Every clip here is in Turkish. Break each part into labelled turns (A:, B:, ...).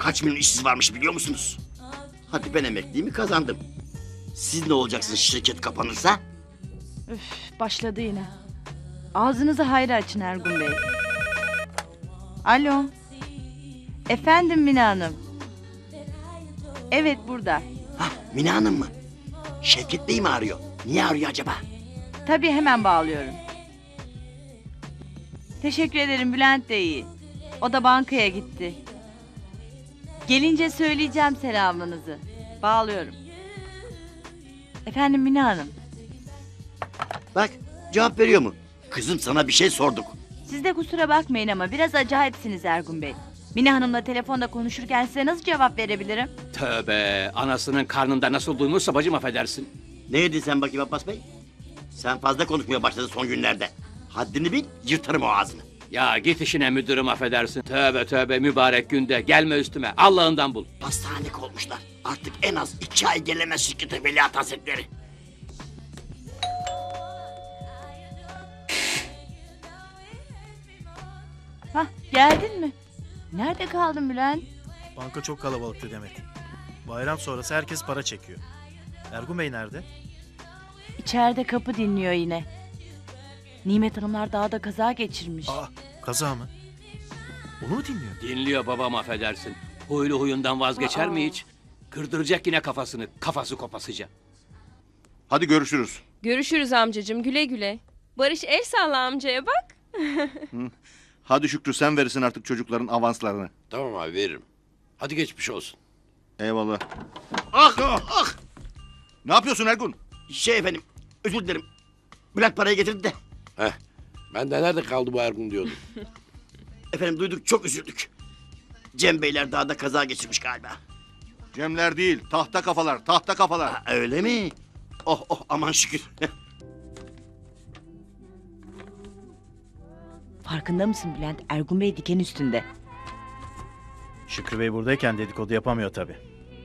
A: kaç milyon işsiz varmış biliyor musunuz? Hadi ben emekliliğimi kazandım. Siz ne olacaksınız şirket kapanırsa?
B: Üf, başladı yine. Ağzınızı hayra açın Ergun Bey. Alo. Efendim Mine Hanım. Evet burada.
A: Hah, Mine Hanım mı? Şevket Bey mi arıyor? Niye arıyor acaba?
B: Tabii hemen bağlıyorum. Teşekkür ederim, Bülent de iyi. O da bankaya gitti. Gelince söyleyeceğim selamınızı. Bağlıyorum. Efendim Mine Hanım.
A: Bak, cevap veriyor mu? Kızım, sana bir şey sorduk.
B: Siz de kusura bakmayın ama biraz acayipsiniz Ergun Bey. Mine Hanım'la telefonda konuşurken size nasıl cevap verebilirim?
C: Tövbe, anasının karnında nasıl duymuşsa bacım affedersin.
A: Ne dedin sen bakayım Abbas Bey? Sen fazla konuşmaya başladın son günlerde. Haddini bil, yırtarım o ağzını.
C: Ya git işine müdürüm affedersin. Tövbe tövbe mübarek günde gelme üstüme Allah'ından bul.
A: Pastanelik olmuşlar. Artık en az 2 ay gelemez şirkete Veliaht Hazretleri.
B: Hah, geldin mi? Nerede kaldın Bülent?
D: Banka çok kalabalıktı Demet. Bayram sonrası herkes para çekiyor. Ergun Bey nerede?
B: İçeride kapı dinliyor yine. Nimet Hanımlar dağda kaza geçirmiş.
D: Aa, kaza mı? Onu mu dinliyor?
C: Dinliyor babam affedersin. Huylu huyundan vazgeçer mi hiç? Kırdıracak yine kafasını, kafası kopasıca.
E: Hadi görüşürüz.
F: Görüşürüz amcacığım, güle güle. Barış el salla amcaya bak.
E: Hadi Şükrü, sen verirsin artık çocukların avanslarını.
G: Tamam abi veririm. Hadi geçmiş olsun.
E: Eyvallah.
A: Ah ah!
E: Ne yapıyorsun Ergun?
A: Şey efendim, özür dilerim. Bülent parayı getirdi de.
G: Heh. Ben de nerede kaldı bu Ergun diyordum.
A: Efendim duyduk, çok üzüldük. Cem Beyler dağda kaza geçirmiş galiba.
E: Cemler değil, tahta kafalar, tahta kafalar.
A: Ha, öyle mi? Oh oh, aman şükür.
B: Farkında mısın Bülent? Ergun Bey diken üstünde.
D: Şükrü Bey buradayken dedikodu yapamıyor tabii.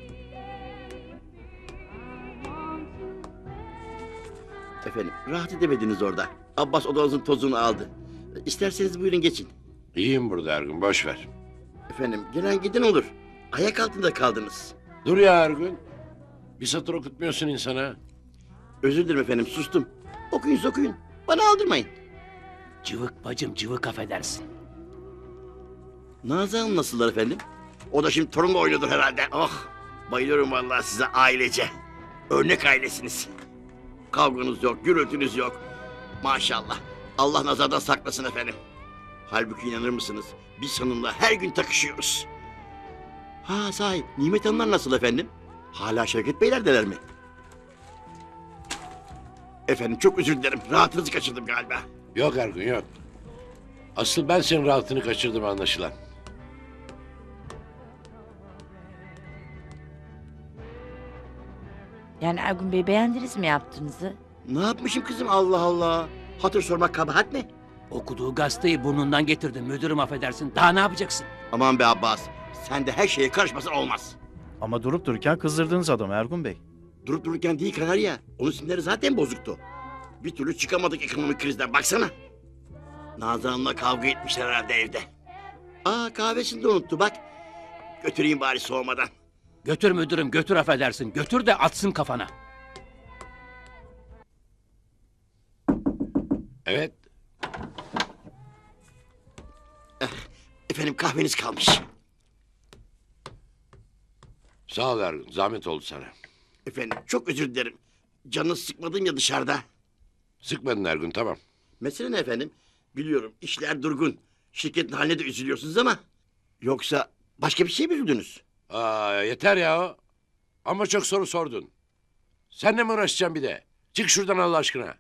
A: Efendim, rahat edemediniz orada. Abbas odanızın tozunu aldı. İsterseniz buyurun geçin.
G: İyiyim burada Ergun boş ver.
A: Efendim, gelen giden olur. Ayak altında kaldınız.
G: Dur ya Ergun. Bir satır okutmuyorsun insana.
A: Özür dilerim efendim, sustum. Okuyun okuyun. Bana aldırmayın.
C: Cıvık bacım cıvık affedersin.
A: Nazan Hanım nasıllar efendim? O da şimdi torunla oynuyordur herhalde. Oh, bayılıyorum vallahi size ailece. Örnek ailesiniz. Kavganız yok, gürültünüz yok. Maşallah. Allah nazardan saklasın efendim. Halbuki inanır mısınız? Biz hanımla her gün takışıyoruz. Ha sahi, Nimet Hanımlar nasıl efendim? Hala Şevket Beyler'deler mi? Efendim çok özür dilerim. Rahatınızı kaçırdım galiba.
G: Yok Ergun yok. Asıl ben senin rahatını kaçırdım anlaşılan.
B: Yani Ergun Bey beğendiniz mi yaptığınızı?
A: Ne yapmışım kızım, Allah Allah. Hatır sormak kabahat mi?
C: Okuduğu gazeteyi burnundan getirdin müdürüm affedersin. Daha ne yapacaksın?
A: Aman be Abbas. Sen de her şeye karışmasın olmaz.
D: Ama durup dururken kızdırdınız adamı Ergun Bey.
A: Durup dururken değil Kanarya. Onun sinirleri zaten bozuktu. Bir türlü çıkamadık ekonomik krizden, baksana. Nazan Hanım'la kavga etmişler herhalde evde. Aa, kahvesini de unuttu bak. Götüreyim bari soğumadan.
C: Götür müdürüm götür affedersin. Götür de atsın kafana.
G: Evet.
A: Efendim kahveniz kalmış.
G: Sağ ol Ergun. Zahmet oldu sana.
A: Efendim çok özür dilerim. Canınız sıkmadım ya dışarıda.
G: Sıkmadın Ergun tamam.
A: Mesele ne efendim? Biliyorum işler durgun. Şirketin haline de üzülüyorsunuz ama... Yoksa başka bir şey mi üzüldünüz?
G: Aa, yeter ya. Ama çok soru sordun. Seninle mi uğraşacağım bir de? Çık şuradan Allah aşkına.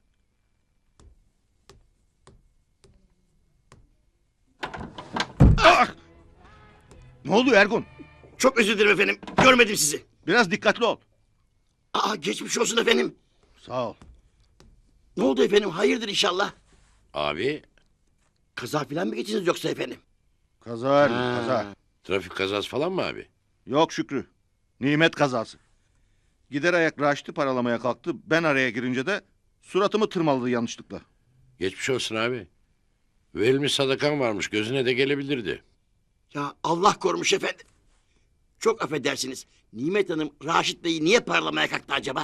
E: Ne oldu Ergun?
A: Çok özür dilerim efendim. Görmedim sizi.
E: Biraz dikkatli ol.
A: Aa, geçmiş olsun efendim.
E: Sağ ol.
A: Ne oldu efendim? Hayırdır inşallah.
G: Abi
A: Kaza falan mı geçtiniz yoksa efendim?
E: Kaza Ergun,
A: Ha.
E: kaza.
G: trafik kazası falan mı abi?
E: Yok Şükrü. Nimet kazası. Gider ayak Raşit'i paralamaya kalktı. Ben araya girince de suratımı tırmaladı yanlışlıkla.
G: Geçmiş olsun abi. Verilmiş sadakan varmış gözüne de gelebilirdi.
A: Ya Allah korumuş efendim. Çok affedersiniz. Nimet Hanım Raşit Bey'i niye paralamaya kalktı acaba?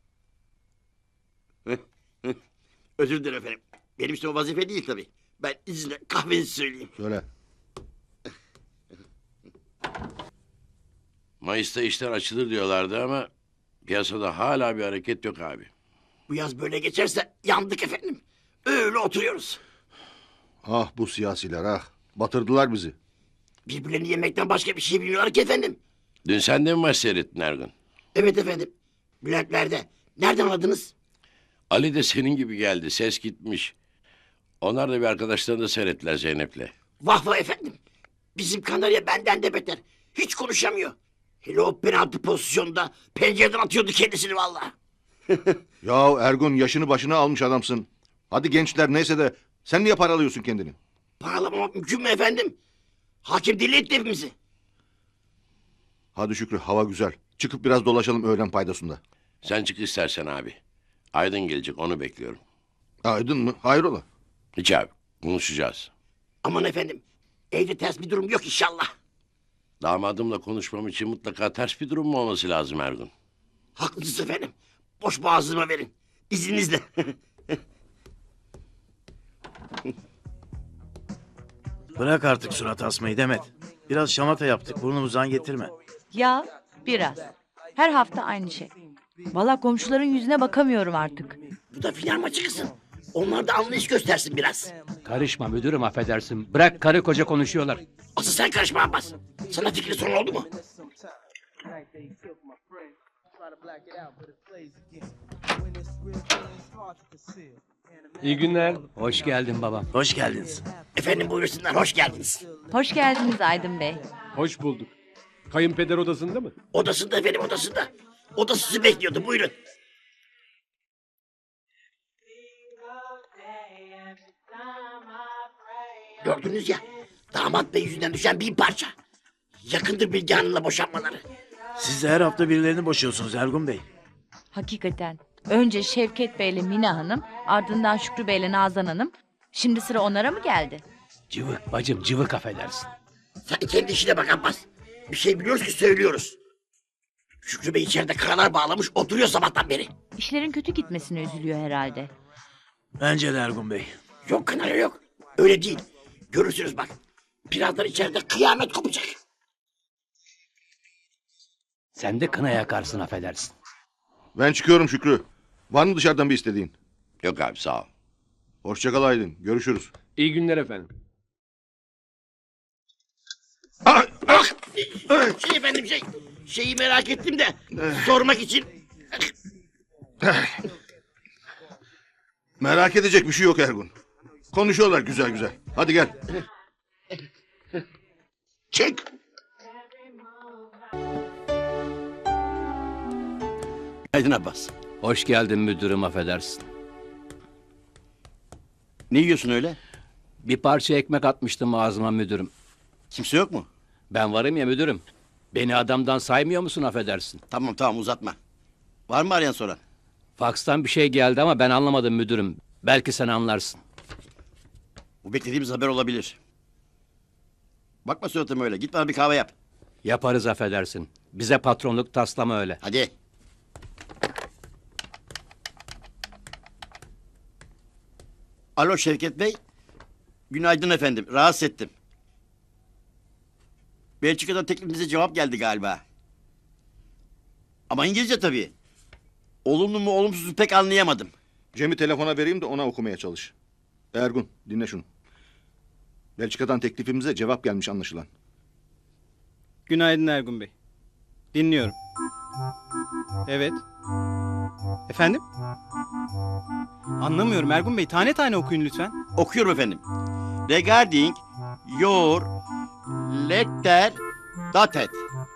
A: Özür dilerim efendim. Benim için o vazife değil tabii. Ben izinle kahvenizi söyleyeyim.
E: Söyle.
G: Mayıs'ta işler açılır diyorlardı ama piyasada hala bir hareket yok abi.
A: Bu yaz böyle geçerse yandık efendim. Öyle oturuyoruz.
E: Ah bu siyasiler ah. Batırdılar bizi.
A: Birbirlerini yemekten başka bir şey bilmiyorlar ki efendim.
G: Dün sen de mi maç seyrettin Ergun?
A: Evet efendim. Bülentler'de. Nereden anladınız?
G: Ali de senin gibi geldi. Ses gitmiş. Onlar da bir arkadaşlarını da seyrettiler Zeynep'le.
A: Vah vah efendim. Bizim Kanarya benden de beter. Hiç konuşamıyor. Hele o penaltı pozisyonunda pencereden atıyordu kendisini vallahi.
E: Ya Ergun yaşını başına almış adamsın. Hadi gençler neyse de sen niye paralıyorsun kendini?
A: Paralamamak mümkün mü efendim? Hakim deli etti hepimizi.
E: Hadi Şükrü hava güzel. Çıkıp biraz dolaşalım öğlen paydasında.
G: Sen çık istersen abi. Aydın gelecek onu bekliyorum.
E: Aydın mı? Hayrola?
G: Hiç abi konuşacağız.
A: Aman efendim. Evde ters bir durum yok inşallah.
G: Damadımla konuşmam için mutlaka ters bir durum mu olması lazım Ergun?
A: Haklısınız efendim. Boş boğazıma verin. İzninizle.
D: Bırak artık surat asmayı Demet. Biraz şamata yaptık burnumuzdan getirme.
B: Ya biraz. Her hafta aynı şey. Valla komşuların yüzüne bakamıyorum artık.
A: Bu da final maçı kızım. Onlar da anlayış göstersin biraz.
C: Karışma müdürüm affedersin. Bırak karı koca konuşuyorlar.
A: Asıl sen karışma Abbas. Sana fikri sorun oldu mu?
H: İyi günler.
C: Hoş geldin babam.
D: Hoş geldiniz.
A: Efendim buyursunlar. Hoş geldiniz.
B: Hoş geldiniz Aydın Bey.
H: Hoş bulduk. Kayınpeder odasında mı?
A: Odasında efendim odasında. O da sizi bekliyordu. Buyurun. Gördünüz ya. Damat bey yüzünden düşen bir parça. Yakındır Bilge Hanım'la boşanmaları.
D: Siz de her hafta birilerini boşuyorsunuz Ergun Bey.
B: Hakikaten. Önce Şevket Bey'le Mina Hanım, ardından Şükrü Bey'le Nazan Hanım. Şimdi sıra onlara mı geldi?
C: Cıvık bacım cıvık affedersin.
A: Sen kendi işine bak Abbas. Bir şey biliyoruz ki söylüyoruz. Şükrü Bey içeride karalar bağlamış oturuyor sabahtan beri.
B: İşlerin kötü gitmesine üzülüyor herhalde.
D: Bence de Ergun Bey.
A: Yok Kanarya yok. Öyle değil. Görürsünüz bak. Birazdan içeride kıyamet kopacak.
C: Sen de kına yakarsın affedersin.
E: Ben çıkıyorum Şükrü. Var mı dışarıdan bir istediğin?
G: Yok abi sağ ol.
E: Hoşça kal Aydın. Görüşürüz.
H: İyi günler efendim.
A: Ah! Efendim şeyi merak ettim de sormak için.
E: Merak edecek bir şey yok Ergun. Konuşuyorlar güzel güzel. Hadi gel.
A: Çık. Aydın Abbas.
C: Hoş geldin müdürüm affedersin.
A: Ne yiyorsun öyle?
C: Bir parça ekmek atmıştım ağzıma müdürüm.
A: Kimse yok mu?
C: Ben varım ya müdürüm. Beni adamdan saymıyor musun affedersin?
A: Tamam uzatma. Var mı arayan soran?
C: Fakstan bir şey geldi ama ben anlamadım müdürüm. Belki sen anlarsın.
A: Bu beklediğimiz haber olabilir. Bakma suratıma öyle. Git bana bir kahve yap.
C: Yaparız affedersin. Bize patronluk taslama öyle.
A: Hadi. Alo Şevket Bey. Günaydın efendim. Rahatsız ettim. Belçika'dan teklifinize cevap geldi galiba. Ama İngilizce tabii. Olumlu mu olumsuz mu pek anlayamadım.
E: Cem'i telefona vereyim de ona okumaya çalış. Ergun dinle şunu. Belçika'dan teklifimize cevap gelmiş anlaşılan.
I: Günaydın Ergun Bey. Dinliyorum. Evet. Efendim? Anlamıyorum Ergun Bey. Tane tane okuyun lütfen.
A: Okuyorum efendim. Regarding your letter dated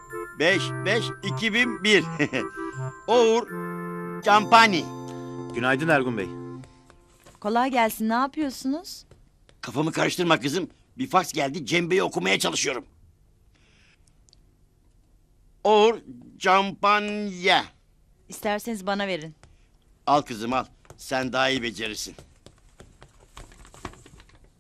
A: 5/5/2001 our company.
D: Günaydın Ergun Bey.
B: Kolay gelsin. Ne yapıyorsunuz?
A: Kafamı karıştırma kızım. Bir faks geldi. Cem Bey'i okumaya çalışıyorum. Or campanya.
B: İsterseniz bana verin.
A: Al kızım al. Sen daha iyi becerirsin.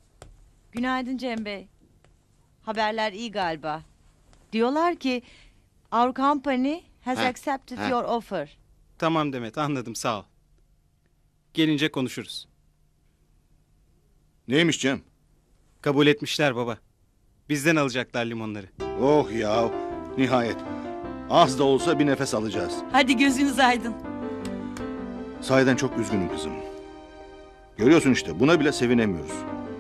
B: Günaydın Cem Bey. Haberler iyi galiba. Diyorlar ki Our company has
A: Ha,
B: accepted
A: ha.
B: your offer.
I: Tamam Demet anladım sağ ol. Gelince konuşuruz.
E: Neymiş Cem?
I: Kabul etmişler baba. Bizden alacaklar limonları.
E: Oh ya, nihayet. Az da olsa bir nefes alacağız.
B: Hadi gözünüz aydın.
E: Sahiden çok üzgünüm kızım. Görüyorsun işte, buna bile sevinemiyoruz.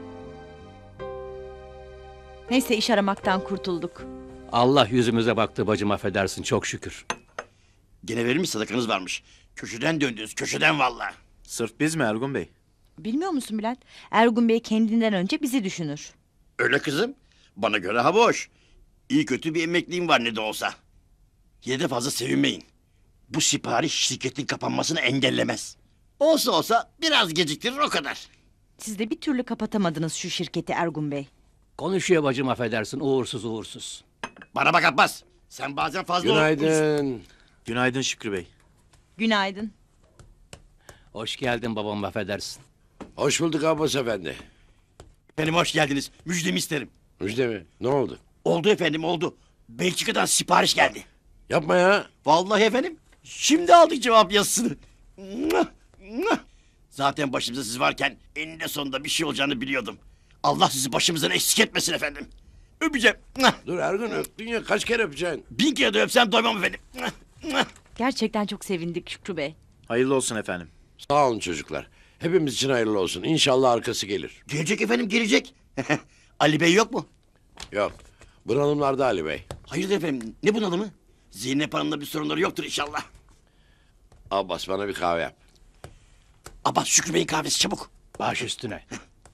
B: Neyse iş aramaktan kurtulduk.
C: Allah yüzümüze baktı bacım affedersin çok şükür.
A: Gene verilmiş sadakanız varmış. Köşeden döndünüz, köşeden vallahi.
D: Sırf biz mi Ergun Bey?
B: Bilmiyor musun Bülent? Ergun Bey kendinden önce bizi düşünür.
A: Öyle kızım. Bana göre ha boş. İyi kötü bir emekliliğim var ne de olsa. Yine de fazla sevinmeyin. Bu sipariş şirketin kapanmasını engellemez. Olsa olsa biraz geciktirir o kadar.
B: Siz de bir türlü kapatamadınız şu şirketi Ergun Bey.
C: Konuşuyor bacım affedersin uğursuz uğursuz.
A: Bana bak Abbas. Sen bazen fazla...
G: Günaydın.
D: Günaydın Şükrü Bey.
B: Günaydın.
C: Hoş geldin babam affedersin.
G: Hoş bulduk Abbas efendi.
A: Efendim hoş geldiniz. Müjdemi isterim.
G: Müjde mi? Ne oldu?
A: Oldu efendim oldu. Belçika'dan sipariş geldi.
G: Yapma ya.
A: Vallahi efendim. Şimdi aldık cevap yazısını. Mwah, mwah. Zaten başımızda siz varken eninde sonunda bir şey olacağını biliyordum. Allah sizi başımızdan eksik etmesin efendim. Öpeceğim. Mwah.
G: Dur Ergun öptün ya kaç kere öpeceksin?
A: 1000 kere de öpsem doymam efendim. Mwah, mwah.
B: Gerçekten çok sevindik Şükrü Bey.
D: Hayırlı olsun efendim.
G: Sağ olun çocuklar. Hepimiz için hayırlı olsun. İnşallah arkası gelir.
A: Gelecek efendim gelecek. Ali Bey yok mu?
G: Yok. Bunalımlarda Ali Bey.
A: Hayırdır efendim ne bunalımı? Zeynep Hanım'la bir sorunları yoktur inşallah.
G: Abbas bana bir kahve yap.
A: Abbas Şükrü Bey'in kahvesi çabuk.
C: Baş üstüne.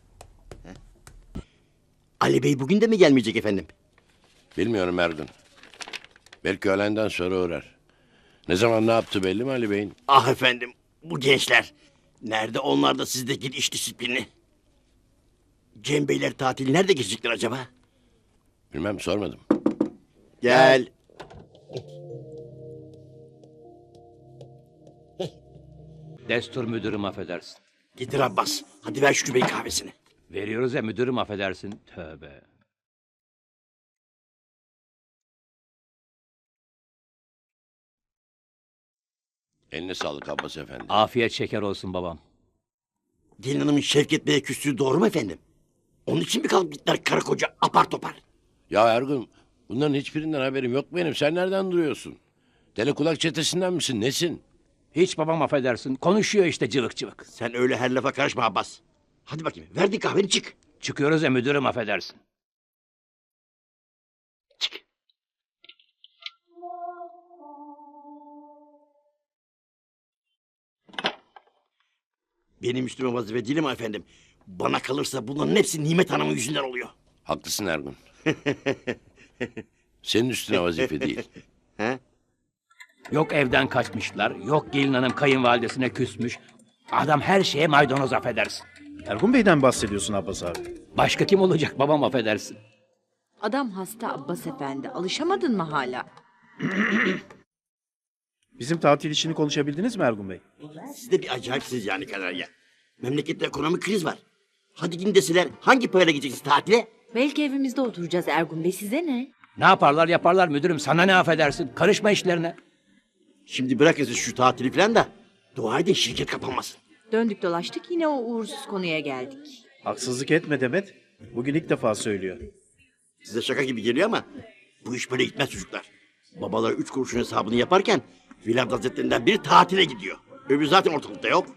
A: Ali Bey bugün de mi gelmeyecek efendim?
G: Bilmiyorum Ergun. Belki öğlenden sonra uğrar. Ne zaman ne yaptı belli mi Ali Bey'in?
A: Ah efendim bu gençler. Nerede onlar da sizdeki iş disiplini? Cem Beyler tatil nerede geçecekler acaba?
G: Bilmem sormadım.
A: Gel.
C: Destur müdürüm affedersin.
A: Getir Abbas. Hadi ver Şükrü Bey kahvesini.
C: Veriyoruz ya müdürüm affedersin. Tövbe.
G: Eline sağlık Abbas efendi.
C: Afiyet şeker olsun babam.
A: Gelin hanımın Şevket Bey'e küstüğü doğru mu efendim? Onun için mi kalkıp gittiler karı koca apar topar?
G: Ya Ergun bunların hiçbirinden haberim yok benim. Sen nereden duruyorsun? Deli kulak çetesinden misin? Nesin?
C: Hiç babam affedersin. Konuşuyor işte cıvık cıvık.
A: Sen öyle her lafa karışma Abbas. Hadi bakayım verdin kahveni çık.
C: Çıkıyoruz ya müdürüm affedersin.
A: Çık. Benim üstüme vazife değil mi efendim? Bana kalırsa bunların hepsi Nimet Hanım'ın yüzünden oluyor.
G: Haklısın Ergun. Senin üstüne vazife değil.
A: He?
C: Yok evden kaçmışlar. Yok gelin hanım kayınvalidesine küsmüş. Adam her şeye maydanoz affedersin.
D: Ergun Bey'den bahsediyorsun Abbas abi.
C: Başka kim olacak babam affedersin.
B: Adam hasta Abbas Efendi. Alışamadın mı hala?
D: Bizim tatil işini konuşabildiniz mi Ergun Bey?
A: Siz de bir acayipsiniz yani Kanarya. Memlekette ekonomik kriz var. Hadi gidin deseler hangi parayla gideceksiniz tatile?
B: Belki evimizde oturacağız Ergun Bey. Size ne?
C: Ne yaparlar yaparlar müdürüm sana ne affedersin. Karışma işlerine.
A: Şimdi bırakın siz şu tatili falan da dua edin şirket kapanmasın.
B: Döndük dolaştık yine o uğursuz konuya geldik.
D: Haksızlık etme Demet. Bugün ilk defa söylüyor.
A: Size şaka gibi geliyor ama bu iş böyle gitmez çocuklar. Babalar 3 kuruşun hesabını yaparken Vilayet Hazretlerinden biri tatile gidiyor. Öbürü zaten ortalıkta yok.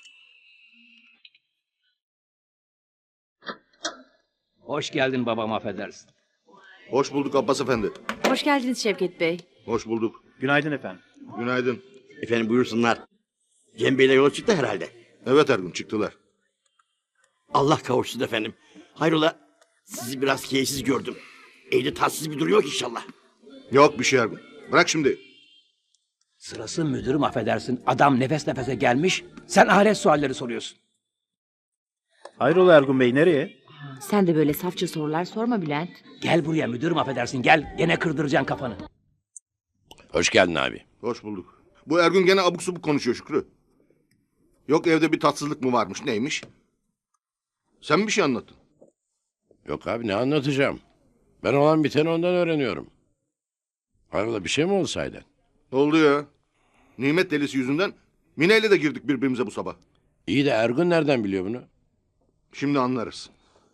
C: Hoş geldin babam affedersin.
E: Hoş bulduk Abbas Efendi.
B: Hoş geldiniz Şevket Bey.
E: Hoş bulduk.
D: Günaydın efendim.
E: Günaydın.
A: Efendim buyursunlar. Cem Bey'le yola çıktı herhalde.
E: Evet Ergun çıktılar.
A: Allah kavuşsun efendim. Hayrola sizi biraz keyifsiz gördüm. Evde tatsız bir durum yok inşallah.
E: Yok bir şey Ergun. Bırak şimdi.
C: Sırası müdürüm affedersin. Adam nefes nefese gelmiş. Sen ahiret sualleri soruyorsun.
D: Hayrola Ergun Bey nereye?
B: Sen de böyle safça sorular sorma Bülent.
C: Gel buraya müdürüm affedersin gel. Gene kırdıracaksın kafanı.
G: Hoş geldin abi.
E: Hoş bulduk. Bu Ergun gene abuk subuk konuşuyor Şükrü. Yok evde bir tatsızlık mı varmış neymiş? Sen mi bir şey anlattın?
G: Yok abi ne anlatacağım? Ben olan biteni ondan öğreniyorum. Hayrola bir şey mi oldu sahiden?
E: Ne oldu ya? Nimet delisi yüzünden Mine ile de girdik birbirimize bu sabah.
G: İyi de Ergun nereden biliyor bunu?
E: Şimdi anlarız.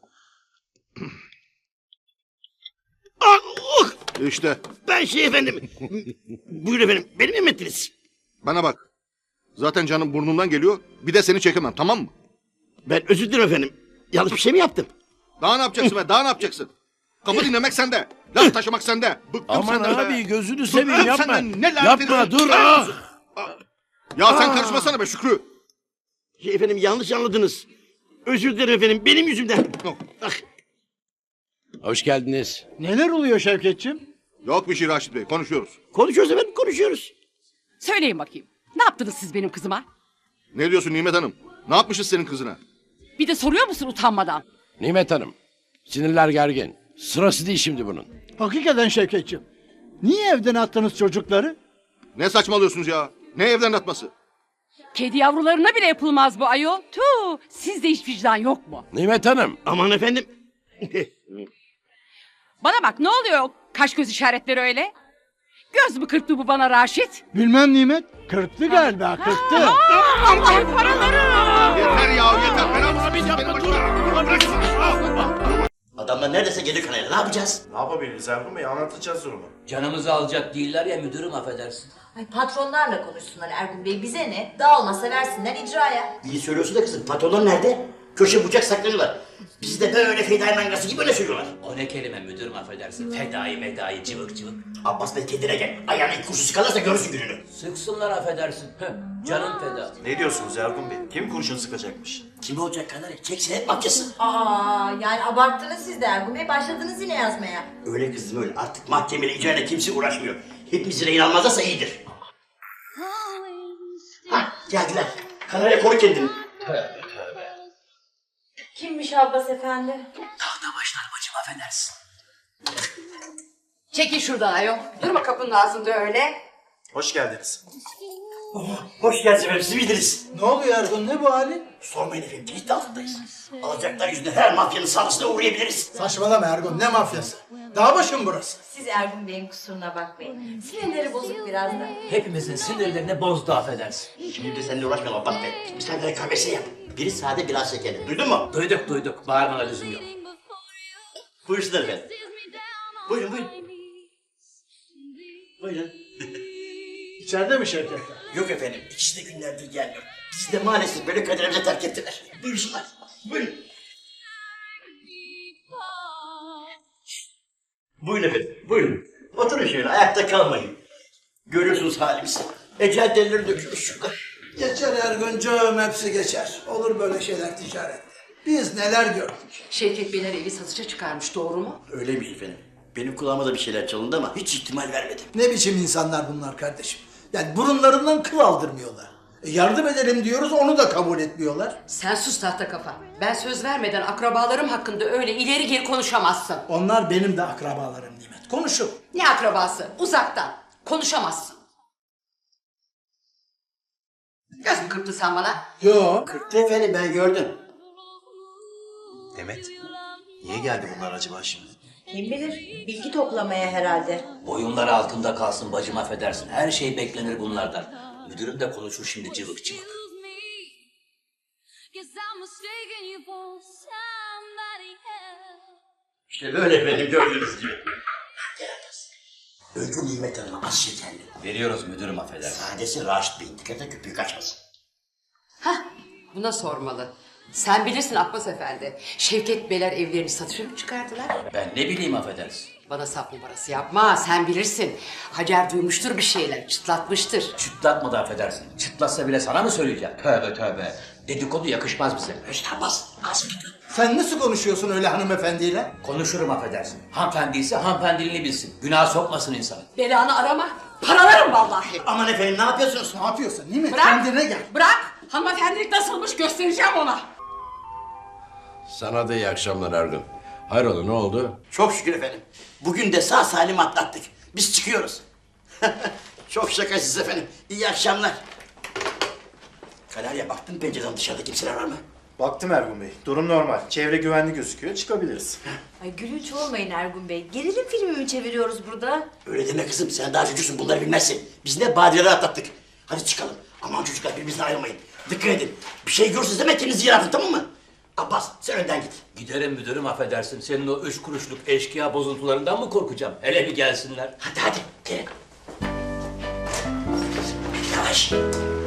E: İşte
A: Ben efendim. Buyurun efendim. Beni mi emrettiniz?
E: bana bak. Zaten canım burnumdan geliyor. Bir de seni çekemem, tamam mı?
A: Ben özür dilerim efendim. Yanlış bir şey mi yaptım?
E: Daha ne yapacaksın be? Daha ne yapacaksın? Kapı dinlemek sende. Laf taşımak sende. Bıktım
G: Aman
E: senden be.
G: abi gözünü
E: Bıktım
G: seveyim yapma.
E: senden. Ne lanet
G: Yapma
E: ediyorsun?
G: dur.
E: Ah! Ya sen karışmasana be Şükrü.
A: Efendim yanlış anladınız. Özür dilerim efendim. Benim yüzümden. Ah,
G: Hoş geldiniz.
J: Neler oluyor Şevketçim?
E: Yok bir şey Raşit Bey, konuşuyoruz.
A: konuşuyoruz efendim konuşuyoruz.
K: Söyleyin bakayım. Ne yaptınız siz benim kızıma?
E: Ne diyorsun Nimet Hanım? Ne yapmışız senin kızına?
K: Bir de soruyor musun utanmadan?
G: Nimet Hanım. Sinirler gergin. Sırası değil şimdi bunun.
J: Hakikaten Şevketçim. Niye evden attınız çocukları?
E: Ne saçmalıyorsunuz ya? Ne evden atması?
K: Kedi yavrularına bile yapılmaz bu ayol. Tüh, sizde hiç vicdan yok mu?
G: Nimet Hanım.
A: Aman efendim.
K: Bana bak ne oluyor o kaş göz işaretleri öyle? Göz mü kırptı bu bana Raşit?
J: Bilmem Nimet. Kırktı galiba, kırktı.
K: Allah'ın paraları!
E: Yeter ya yeter. Ben abi yapma dur.
A: Adamlar neredeyse gelir kanaya. Ne yapacağız?
D: Ne yapabiliriz Ergun Bey? Anlatacağız durumu.
C: Canımızı alacak değiller ya müdürüm affedersin.
L: Ay patronlarla konuşsunlar Ergun Bey, bize ne? Dağılmasa versinler icraya.
A: İyi söylüyorsun da kızım. Patronlar nerede? Köşe bucak saklanıyorlar. Bizi de böyle fedai mangası gibi öne sürüyorlar.
C: O ne kelime müdürüm affedersin. Fedai medai cıvık cıvık.
A: Abbas Bey kendine gel. Ayağına ilk kurşun sıkarlarsa görürsün gününü.
C: Sıksınlar affedersin. Canım feda.
D: Ne diyorsunuz Ergun Bey? Kim kurşun sıkacakmış?
A: Kim olacak kanarya? Çek senet mahkesi.
L: Aa, yani abarttınız siz de Ergun Bey, başladınız yine yazmaya.
A: Öyle kızım öyle. Artık mahkemeyle icrayla kimse uğraşmıyor. Hepimizi rehin almazlarsa iyidir. Hah geldiler. Kanarya koru kendini.
L: Kimmiş Abbas efendi?
A: Tahta başlar bacım affedersin.
K: Çekil şuradan ayol. Durma kapının ağzında öyle.
D: Hoş geldiniz.
A: Hoş geldiniz efendim. Siz miydiniz?
J: Ne oluyor Ergun? Ne bu hali?
A: Sormayın efendim. Kilit altındayız. Alacaklar yüzünden her mafyanın saldırısına uğrayabiliriz.
J: Saçmalama Ergun. Ne mafyası? Dağ başım burası.
L: Siz Ergun Bey'in kusuruna bakmayın. Sinirleri bozuk biraz da.
C: Hepimizin sinirlerini bozdu affedersin.
A: Şimdi de seninle uğraşmayalım Abbas Bey. Bir sen de kahvesi yap. Biri sade biraz şekerli. Duydun mu?
C: Duyduk. Bağırmana lüzum yok.
A: Buyursunlar efendim. Buyurun. Buyurun.
J: İçeride mi Şevket?
A: Yok efendim. İkisi de günlerdir gelmiyor. Bizi de maalesef böyle kaderimize terk ettiler. Buyursunlar. Buyurun. Buyurun efendim. Buyurun. Oturun şöyle. Ayakta kalmayın. Görüyorsunuz halimizi. Ecel delileri dökülmüş şurada.
J: Geçer Erguncuğum, hepsi geçer. Olur böyle şeyler ticarette. Biz neler gördük.
K: Şevket Beyler evi satışa çıkarmış, doğru mu?
A: Öyle mi efendim? Benim kulağıma da bir şeyler çalındı ama hiç ihtimal vermedim.
J: Ne biçim insanlar bunlar kardeşim? Yani burunlarından kıl aldırmıyorlar. Yardım edelim diyoruz, onu da kabul etmiyorlar.
K: Sen sus tahta kafa. Ben söz vermeden akrabalarım hakkında öyle ileri geri konuşamazsın.
J: Onlar benim de akrabalarım Nimet. Konuşun.
K: Ne akrabası? Uzaktan. Konuşamazsın. Göz mü kırptın sen bana?
J: Yo.
A: Kırktı efendim ben gördüm.
D: Demet, niye geldi bunlar acaba şimdi?
L: Kim bilir, bilgi toplamaya herhalde.
C: Boyunları altında kalsın bacım affedersin. Her şey beklenir bunlardan. Müdürüm de konuşur şimdi cıvık cıvık.
A: İşte böyle efendim gördüğünüz gibi. Gel Abbas. Öldü Nimet Hanım'a az şekerli.
C: Veriyoruz müdürüm affedersin.
A: Sadesi Raşit Bey'in. Dikkat et köpüğü kaçmasın.
K: Buna sormalı. Sen bilirsin Abbas Efendi. Şevket Beyler evlerini satışa mı çıkardılar?
C: Ben ne bileyim affedersin.
K: Bana sap numarası yapma, sen bilirsin. Hacer duymuştur bir şeyler, çıtlatmıştır.
C: Çıtlatmadı affedersin. Çıtlatsa bile sana mı söyleyeceğim? Tövbe. Dedikodu yakışmaz bize.
A: İşte Abbas. Az mıydı?
J: Sen nasıl konuşuyorsun öyle hanımefendiyle?
C: Konuşurum affedersin. Hanımefendi ise hanımefendiliğini bilsin. Günah sokmasın insan.
K: Belanı arama, paralarım vallahi.
A: Aman efendim ne yapıyorsunuz?
J: Ne yapıyorsun Nimet?
K: Bırak.
J: Kendine gel.
K: Bırak, hanımefendilik nasılmış göstereceğim ona.
G: Sana da iyi akşamlar Ergun. Hayrola ne oldu?
A: Çok şükür efendim. Bugün de sağ salim atlattık. Biz çıkıyoruz. Çok şakasız efendim. İyi akşamlar. Kanarya baktın pencereden dışarıda kimseler var mı?
D: Baktım Ergun Bey. Durum normal. Çevre güvenli gözüküyor. Çıkabiliriz.
L: Ay gülünç olmayın Ergun Bey. Gerilim filmi mi çeviriyoruz burada?
A: Öyle deme kızım, sen daha çocuksun, bunları bilmezsin. Biz ne badireler atlattık. Hadi çıkalım. Aman çocuklar, birbirinizden ayrılmayın. Dikkat edin. Bir şey görürsünüz hemen kendinizi yere atın, tamam mı? Abbas, sen önden git.
C: Giderim müdürüm, affedersin. Senin o 3 kuruşluk eşkıya bozuntularından mı korkacağım? Hele bir gelsinler.
A: Hadi, gelin. Yavaş.